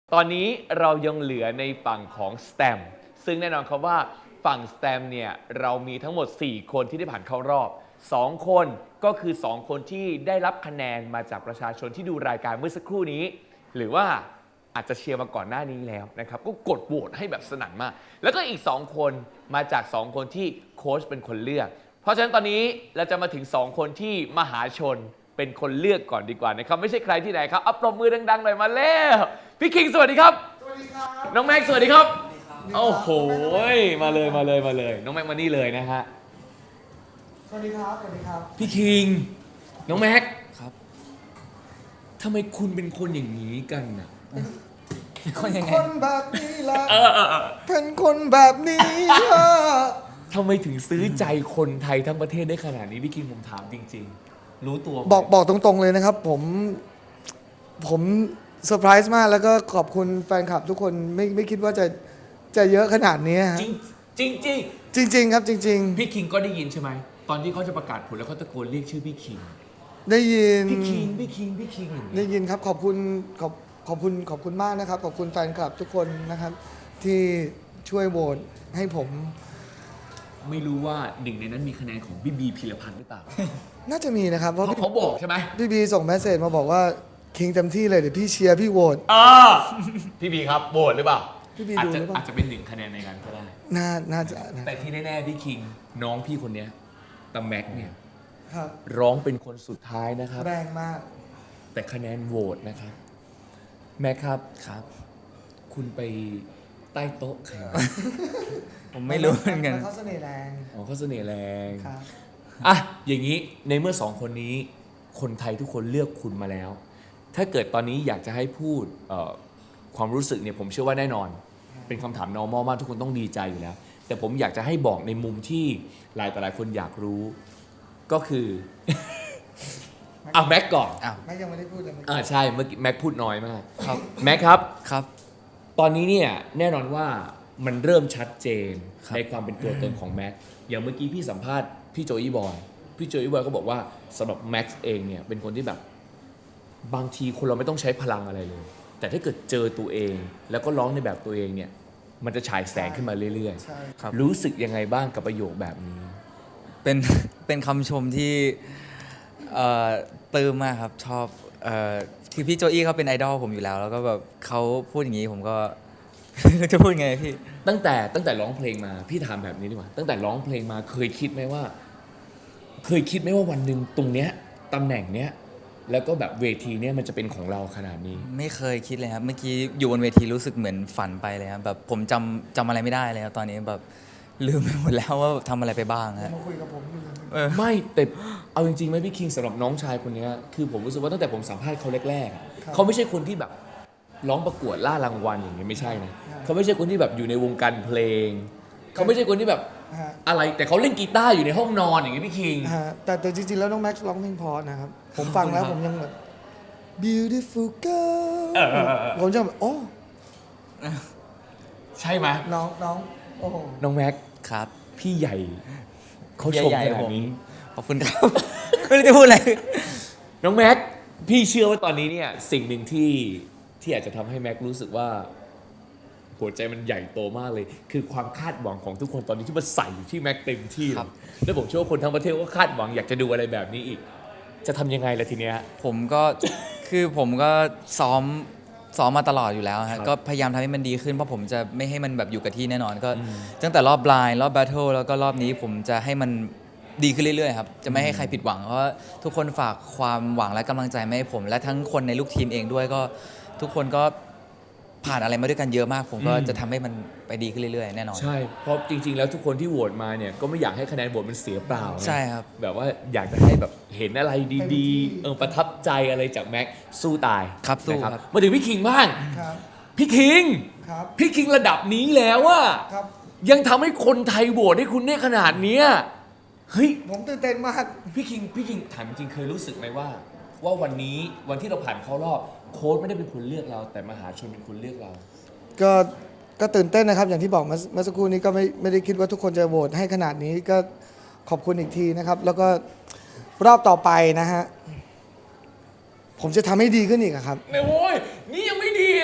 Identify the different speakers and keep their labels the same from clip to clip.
Speaker 1: ตอนนี้เรายังเหลือในฝั่งของสแตมซึ่งแน่นอนครับว่าฝั่งสแตมเนี่ยเรามีทั้งหมด4คนที่ได้ผ่านเข้ารอบ2คนก็คือ2คนที่ได้รับคะแนนมาจากประชาชนที่ดูรายการเมื่อสักครู่นี้หรือว่าอาจจะเชียร์มาก่อนหน้านี้แล้วนะครับก็กดโหวตให้แบบสนั่นมากแล้วก็อีก2คนมาจาก2คนที่โค้ชเป็นคนเลือกเพราะฉะนั้นตอนนี้เราจะมาถึง2คนที่มหาชนเป็นคนเลือกก่อนดีกว่านะครับไม่ใช่ใครที่ไหนครับอัปรบมือดังๆหน่อยมาแล้วพี่คิงสวัสดีครับ
Speaker 2: สวัสดีครับ
Speaker 1: น้องแม็กซ์สวัสดีครับโอ้โหมาเลยน้องแม็กซ์มานี่เลยนะฮะ
Speaker 2: สวัสดีครับ สวัสดีครับ
Speaker 1: พี่คิงน้องแม็กซ์
Speaker 3: ครับ
Speaker 1: ทำไมคุณเป็นคนอย่างนี้กันน่ะ
Speaker 3: คนยังไง
Speaker 2: คนแบบนี้แหละเป็นคนแบบนี้อะ
Speaker 1: ทำไมถึงซื้อใจคนไทยทั้งประเทศได้ขนาดนี้พี่คิงผมถามจริงๆ รู้ตัวไหม
Speaker 2: บอกตรงๆเลยนะครับ ผมเซอร์ไพรส์มากแล้วก็ขอบคุณแฟนคลับทุกคนไม่คิดว่าจะเยอะขนาดนี้ฮะ
Speaker 1: จริง
Speaker 2: จริง ๆ ครับจริง
Speaker 1: ๆพี่คิงก็ได้ยินใช่ไหมตอนที่เขาจะประกาศผลแล้วเขาตะโกนเรียกชื่อพี่คิง
Speaker 2: ๆ ได้ยิน
Speaker 1: พี่คิงอย่าง
Speaker 2: ได้
Speaker 1: เงี้ย
Speaker 2: ยินครับขอบคุณมากนะครับ ขอบคุณแฟนคลับทุกคนนะครับ ที่ช่วยโหวตให้ผม
Speaker 1: ไม่รู้ว่าหนึ่งในนั้นมีคะแนนของพี่บีพีรพันธ์หรือเปล่า
Speaker 2: น่าจะมีนะครับ เพ
Speaker 1: เพ
Speaker 2: ราะ
Speaker 1: ราะเขาบอกใช่ไหม
Speaker 2: พี่บีส่งเมสเซจมาบอกว่าคิงเต็มที่เลยเดี๋ยวพี่เชียร์พี่โหวต
Speaker 1: พี่บีครับโหวตหรือเปล่า
Speaker 2: พี่บี
Speaker 1: อาจ
Speaker 2: ดู
Speaker 1: จะ
Speaker 2: หรือเปล่า
Speaker 1: อาจจะเป็นหนึ่งคะแนนในการก็ได้
Speaker 2: น่าจะนะ
Speaker 1: แต่ที่แน่ๆพี่คิงน้องพี่คนเนี้ยตาแม็กเนี่ย
Speaker 2: ครับ
Speaker 1: ร้องเป็นคนสุดท้ายนะครับ
Speaker 2: แรงมาก
Speaker 1: แต่คะแนนโหวตนะครับ แม็กครับ
Speaker 3: ครับ
Speaker 1: คุณไปใต้โต๊ะใครมา
Speaker 3: ผมไม่รู้เหมือนกัน
Speaker 2: เขาเสน่ห์แรง
Speaker 1: อ๋อเขาเสน่ห์แรง
Speaker 2: ครับ
Speaker 1: อ่ะอย่างนี้ในเมื่อสองคนนี้ คนไทยทุกคนเลือกคุณมาแล้ว ถ้าเกิดตอนนี้อยากจะให้พูดความรู้สึกเนี่ยผมเชื่อว่าแน่นอน เป็นคำถาม normal มากทุกคนต้องดีใจอยู่แล้ว แต่ผมอยากจะให้บอกในมุมที่หลายต่อหลายคนอยากรู้ ก็คือ อ่ะแม็กก่อน
Speaker 3: อ้าว
Speaker 2: แม่ยังไม่ได้พูดเลย
Speaker 1: ใช่เมื่อกี้แม็กพูดน้อยมากครับแม็กครับ
Speaker 3: ครับ
Speaker 1: ตอนนี้เนี่ยแน่นอนว่ามันเริ่มชัดเจน
Speaker 3: ครับ
Speaker 1: ในความเป็นตัวตนของแม็กอย่างเมื่อกี้พี่สัมภาษณ์พี่โจอี้บอยพี่โจอี้บอยก็บอกว่าสำหรับแม็กซ์เองเนี่ยเป็นคนที่แบบบางทีคนเราไม่ต้องใช้พลังอะไรเลย แต่ถ้าเกิดเจอตัวเอง แล้วก็ร้องในแบบตัวเองเนี่ยมันจะฉายแสงขึ้นมาเรื่อย
Speaker 2: ใช่
Speaker 3: ครับ
Speaker 1: ๆรู้สึกยังไงบ้างกับประโยคแบบนี้
Speaker 3: เป็น เป็นคำชมที่ปลื้มมากครับ ชอบคือพี่โจอี้เขาเป็นไอดอลผมอยู่แล้ว แล้วก็แบบเขาพูดอย่างนี้ผมก็ จะพูดไงพี่
Speaker 1: ตั้งแต่ร้องเพลงมาพี่ถามแบบนี้ดีกว่าตั้งแต่ร้องเพลงมาเคยคิดไหมว่าวันหนึ่งตรงเนี้ยตำแหน่งเนี้ยแล้วก็แบบเวทีเนี้ยมันจะเป็นของเราขนาดนี้
Speaker 3: ไม่เคยคิดเลยครับ เมื่อกี้อยู่บนเวทีรู้สึกเหมือนฝันไปเลยครับแบบผมจำอะไรไม่ได้เลยครับตอนนี้แบบลืมไปหมดแล้วว่าทำอะไรไปบ้างฮะ
Speaker 2: มาคุยกับผมอยู่เลย
Speaker 1: ไม่แต่เอาจริงๆไหมพี่คิงสำหรับน้องชายคนเนี้ยคือผมรู้สึกว่าตั้งแต่ผมสัมภาษณ์เขาแรกๆอะเขาไม่ใช่คนที่แบบร้องประกวดล่ารางวัลอย่างเงี้ยไม่ใช่นะเขาไม่ใช่คนที่แบบอยู่ในวงการเพลงเขาไม่ใช่คนที่แบบ
Speaker 2: ฮะ
Speaker 1: อะไรแต่เขาเล่นกีตาร์อยู่ในห้องนอนอย่างเงี้ยพี่คิง
Speaker 2: ฮะแต่จริงๆแล้วน้องแม็กซ์ร้องเพลงเพอนะครับ ผมฟังแล้วผมยังแบบ beautiful girl ผมจะแบบโอ้
Speaker 1: ใช่ไหม
Speaker 2: น้องโอ้โห
Speaker 1: น้องแม็ก
Speaker 3: ครับ
Speaker 1: พี่ใหญ่เขาชม
Speaker 3: ใหญ่
Speaker 1: ข
Speaker 3: ๆ
Speaker 1: นาดนี้
Speaker 3: ขอบคุณครับ ไม่รู้จะพูดอะไร
Speaker 1: น้องแม็กพี่เชื่อว่าตอนนี้เนี่ยสิ่งหนึ่งที่อาจจะทำให้แม็กรู้สึกว่า หัวใจมันใหญ่โตมากเลย คือความคาดหวังของทุกคนตอนนี้ที่มาใส่อยู่ที่แม็กเต็มที่เล
Speaker 3: ครั
Speaker 1: ย
Speaker 3: บ
Speaker 1: แล้วผมเชื่อว่าคนทั้งประเทศก็คาดหวังอยากจะดูอะไรแบบนี้อีก จะทำยังไงล่ะทีเนี้ย
Speaker 3: ผมก็ คือผมก็ซ้อมมาตลอดอยู่แล้ว
Speaker 1: ครั
Speaker 3: ฮะ
Speaker 1: บ
Speaker 3: ก็พยายามทำให้มันดีขึ้นเพราะผมจะไม่ให้มันแบบอยู่กับที่แน่นอนก็ตั้งแต่รอบบลายรอบแบทเทิลแล้วก็รอบนี้ผมจะให้มันดีขึ้นเรื่อยๆครับจะไม่ให้ใครผิดหวังเพราะว่าทุกคนฝากความหวังและกำลังใจมาให้ผม และทั้งคนในลูกทีมเองด้วยก็ทุกคนก็ผ่านอะไรมาด้วยกันเยอะมาก ผมก็จะทำให้มันไปดีขึ้นเรื่อยๆแน่นอน
Speaker 1: ใช่ เพราะจริง ๆ แล้วทุกคนที่โหวตมาเนี่ยก็ไม่อยากให้คะแนนโหวตมันเสียเปล่านะ
Speaker 3: ใช่ครับ
Speaker 1: แบบว่าอยากจะให้แบบเห็นอะไรดีๆประทับใจอะไรจากแม็กสู้ตาย
Speaker 3: ครับสู้
Speaker 1: นะครับ มาถึงพี่คิงบ้าง
Speaker 2: ครับ
Speaker 1: พี่คิง
Speaker 2: ครับ
Speaker 1: พี่คิงระดับนี้แล้วอะ
Speaker 2: ครับ
Speaker 1: ยังทำให้คนไทยโหวตให้คุณได้ขนาดเนี้ยเฮ้ย
Speaker 2: ผมตื่นเต้นมาก
Speaker 1: พี่คิงถามจริงเคยรู้สึกไหมว่าวันนี้วันที่เราผ่านเข้ารอบโค้ชไม่ได้เป็นคนเลือกเรา แต่มหาชนเป็นคนเลือกเรา
Speaker 2: ก็ตื่นเต้นนะครับ อย่างที่บอกเมื่อสักครู่นี้ก็ไม่ได้คิดว่าทุกคนจะโหวตให้ขนาดนี้ก็ขอบคุณอีกทีนะครับ แล้วก็รอบต่อไปนะฮะ ผมจะทำให้ดีขึ้นอีกอะครับ
Speaker 1: เนี่ยโว้ยนี่ยังไม่ดี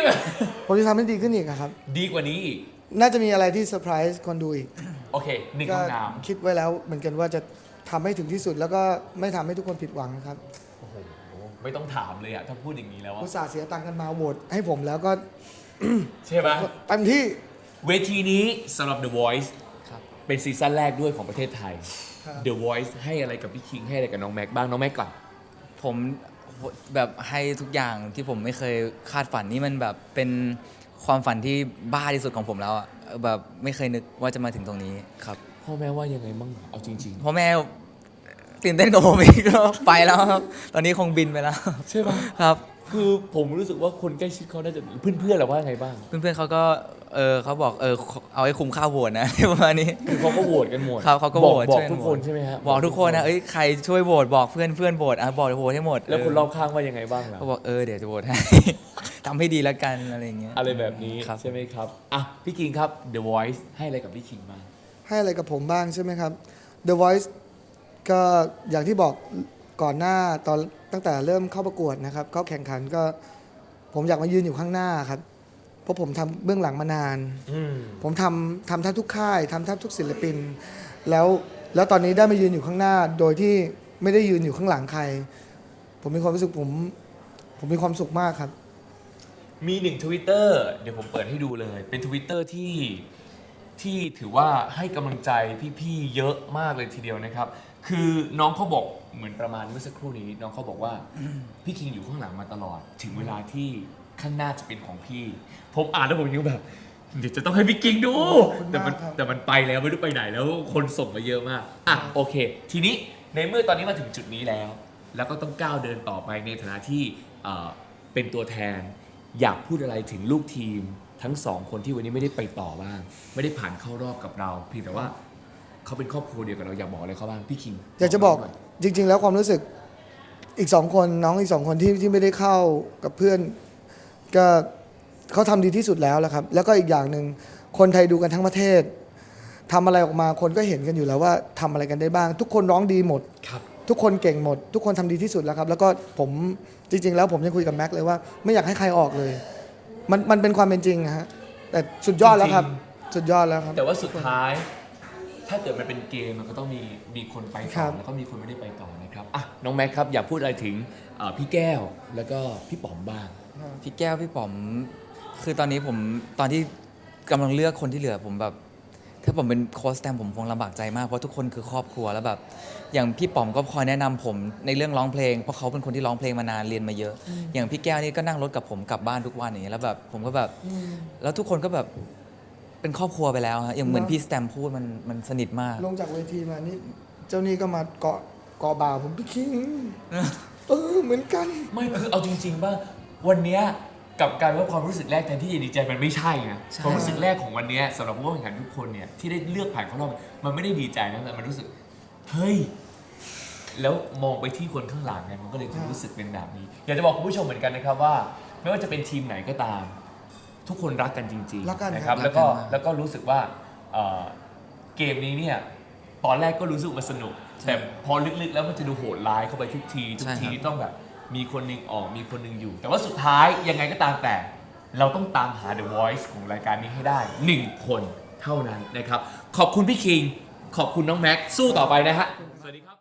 Speaker 2: ผมจะทำให้ดีขึ้นอีกอะครับ
Speaker 1: ดีกว่านี้อีก
Speaker 2: น่าจะมีอะไรที่เซอร์ไพรส์คนดูอีก
Speaker 1: โอเคหนึ่ง
Speaker 2: ก็
Speaker 1: คำถาม
Speaker 2: คิดไว้แล้วเหมือนกันว่าจะทำให้ถึงที่สุด แล้วก็ไม่ทำให้ทุกคนผิดหวังครับ
Speaker 1: โอ้โหไม่ต้องถามเลยอะถ้าพูดอย่างนี้แล้วอะ
Speaker 2: อุตส่าห์เสียตังค์กันมาโหวตให้ผมแล้วก็
Speaker 1: ใช่ปะ
Speaker 2: เต็มที่
Speaker 1: เวทีนี้สำหรับ The Voice
Speaker 3: ครับ
Speaker 1: เป็นซีซั่นแรกด้วยของประเทศไทย
Speaker 2: ครับ
Speaker 1: The Voice ให้อะไรกับพี่คิงให้อะไรกับน้องแม็กบ้างน้องแม็กก่อน
Speaker 3: ผมแบบให้ทุกอย่างที่ผมไม่เคยคาดฝันนี่มันแบบเป็นความฝันที่บ้าที่สุดของผมแล้วอะแบบไม่เคยนึกว่าจะมาถึงตรงนี้ครับ
Speaker 1: พ่อแม่ว่ายังไงบ้างเอาจริง
Speaker 3: พ่อแม่ตื่นเต้นกับผมอีกก็ไปแล้วครับ ตอนนี้คงบินไปแล้ว
Speaker 1: ๆ ใช่ปะ
Speaker 3: ครับ
Speaker 1: คือผมรู้สึกว่าคนใกล้ชิดเขาน่าจะเพื่อนๆเราว่าไงบ้าง
Speaker 3: เพื่อนๆเขาก็เขาบอกเอาให้คุ้มค่าโหวตนะ ประมาณนี้
Speaker 1: คือเขาก็โหวตกันหมด
Speaker 3: ครับเขาก็
Speaker 1: บ
Speaker 3: โห
Speaker 1: อ
Speaker 3: วต
Speaker 1: บอก
Speaker 3: ช่วย
Speaker 1: ทุกคนใช่ไหมฮะ
Speaker 3: บอกทุกคนนะใครช่วยโหวตบอกเพื่อนโหวตบอกโหวตให้หมด
Speaker 1: แล้วคนรอบข้างว่ายังไงบ้างล่ะ
Speaker 3: ก็บอกเดี๋ยวจะโหวตให้ ทำให้ดีแล้วกันอะไรอย่างเงี้ย
Speaker 1: อะไรแบบนี้
Speaker 3: ครับ
Speaker 1: ใช่ไหมครับอ่ะพี่คิงครับ The Voice ให้อะไรกับพี่คิงบ้าง
Speaker 2: ให้อะไรกับผมบ้างใช่ไหมครับ The Voice ก็อย่างที่บอกก่อนหน้าตอนตั้งแต่เริ่มเข้าประกวดนะครับเข้าแข่งขันก็ผมอยากมายืนอยู่ข้างหน้าครับ เพราะผมทำเบื้องหลังมานาน ผมทำแทบทุกค่ายทำแทบทุกศิลปิน แล้วตอนนี้ได้มายืนอยู่ข้างหน้า โดยที่ไม่ได้ยืนอยู่ข้างหลังใคร ผมมีความรู้สึกผมมีความสุขมากครับ
Speaker 1: มีหนึ่ง Twitter เดี๋ยวผมเปิดให้ดูเลย เป็น Twitter ที่ถือว่าให้กำลังใจพี่ๆเยอะมากเลยทีเดียวนะครับ คือน้องเขาบอกเหมือนประมาณเมื่อสักครู่นี้ น้องเขาบอกว่าพี่คิงอยู่ข้างหลังมาตลอด ถึงเวลาที่ข้างหน้าจะเป็นของพี่ ผมอ่านแล้วผมยังแบบเดี๋ยวจะต้องให้พี่คิงดู
Speaker 2: ขอบคุณ
Speaker 1: แต่มัน
Speaker 2: มากครับ
Speaker 1: แต่มันไปแล้วไม่รู้ไปไหนแล้วคนส่งมาเยอะมากอ่ะโอเค ทีนี้ในเมื่อตอนนี้มาถึงจุดนี้แล้ว แล้วก็ต้องก้าวเดินต่อไปในฐานะที่เป็นตัวแทน อยากพูดอะไรถึงลูกทีมทั้งสองคนที่วันนี้ไม่ได้ไปต่อบ้าง ไม่ได้ผ่านเข้ารอบกับเราเพียงแต่ว่าเขาเป็นครอบครัวเดียวกับเราอยากบอกอะไรเขาบ้างพี่คิง
Speaker 2: อยากจะบอกจริง ๆ แล้วความรู้สึกอีกสองคนน้องอีกสองคนที่ไม่ได้เข้ากับเพื่อน ก็เขาทำดีที่สุดแล้วแหละครับ แล้วก็อีกอย่างหนึ่งคนไทยดูกันทั้งประเทศทำอะไรออกมาคนก็เห็นกันอยู่แล้วว่าทำอะไรกันได้บ้าง ทุกคนร้องดีหมด
Speaker 1: ครับ
Speaker 2: ทุกคนเก่งหมด ทุกคนทำดีที่สุดแล้วครับ แล้วก็ผมจริง ๆ แล้วผมยังคุยกับแม็กซ์เลยว่าไม่อยากให้ใครออกเลย มันเป็นความเป็นจริงนะฮะแต่สุดยอดแล้วครับ สุดยอดแล้วครับ
Speaker 1: แต่ว่าสุดท้าย ถ้าเกิดมันเป็นเกมมันก็ต้องมีคนไป
Speaker 2: ครั
Speaker 1: ต่อบ แล้วก็มีคนไม่ได้ไปต่อนะครับอ่ะน้องแม็กครับอยากพูดอะไรถึงพี่แก้วแล้วก็พี่ป๋อมบ้าง
Speaker 3: พี่แก้วพี่ป๋อมคือตอนนี้ผมตอนที่กำลังเลือกคนที่เหลือผมแบบ ถ้าผมเป็นโค้ชแตมผมคงลำบากใจมากเพราะทุกคนคือครอบครัวแล้วแบบอย่างพี่ป๋อมก็คอยแนะนำผมในเรื่องร้องเพลงเพราะเขาเป็นคนที่ร้องเพลงมานานเรียนมาเยอะ อย่างพี่แก้วนี่ก็นั่งรถกับผมกลับบ้านทุกวันอย่างเงี้ยแล้วแบบผมก็แบบแล้วทุกคนก็แบบเป็นครอบครัวไปแล้วฮะอย่างเหมือนพี่สแตมพูดมันสนิทมาก
Speaker 2: ลงจากเวทีมานี่เจ้านี่ก็มาเกาะบ่าผมพี่คิงเหมือนกัน
Speaker 1: ไม่คือเอาจริงๆว่าวันเนี้ยกับการว่าความรู้สึกแรกแทนที่จะดีใจมันไม่ใช่นะ
Speaker 3: ใช่
Speaker 1: ความรู้สึกแรกของวันเนี้ยสำหรับผู้แข่งขันทุกคนเนี่ยที่ได้เลือกผ่านเข้ารอบมันไม่ได้ดีใจนะแต่มันรู้สึกเฮ้ยแล้วมองไปที่คนข้างหลังไงมันก็เลยรู้สึกเป็นแบบนี้ อยากจะบอกคุณผู้ชมเหมือนกันนะครับว่า ไม่ว่าจะเป็นทีมไหนก็ตาม ทุกคนรักกันจริง
Speaker 2: รักกัน
Speaker 1: ๆนะค
Speaker 2: ครั
Speaker 1: รับบ แล้วก็
Speaker 3: รักกันมาก
Speaker 1: รู้สึกว่าเกมนี้เนี่ยตอนแรกก็รู้สึกว่าสนุก แต่พอลึกๆแล้วมันจะดูโหดร้ายเข้าไปทุกทีต้องแบบมีคนหนึ่งออกมีคนหนึ่งอยู่ แต่ว่าสุดท้ายยังไงก็ตามแต่ เราต้องตามหา The Voice ของรายการนี้ให้ได้ 1 คนเท่านั้นนะครับ ขอบคุณพี่คิง ขอบคุณน้องแม็กซ์สู้ต่อไปนะฮะ สวัสดีครับ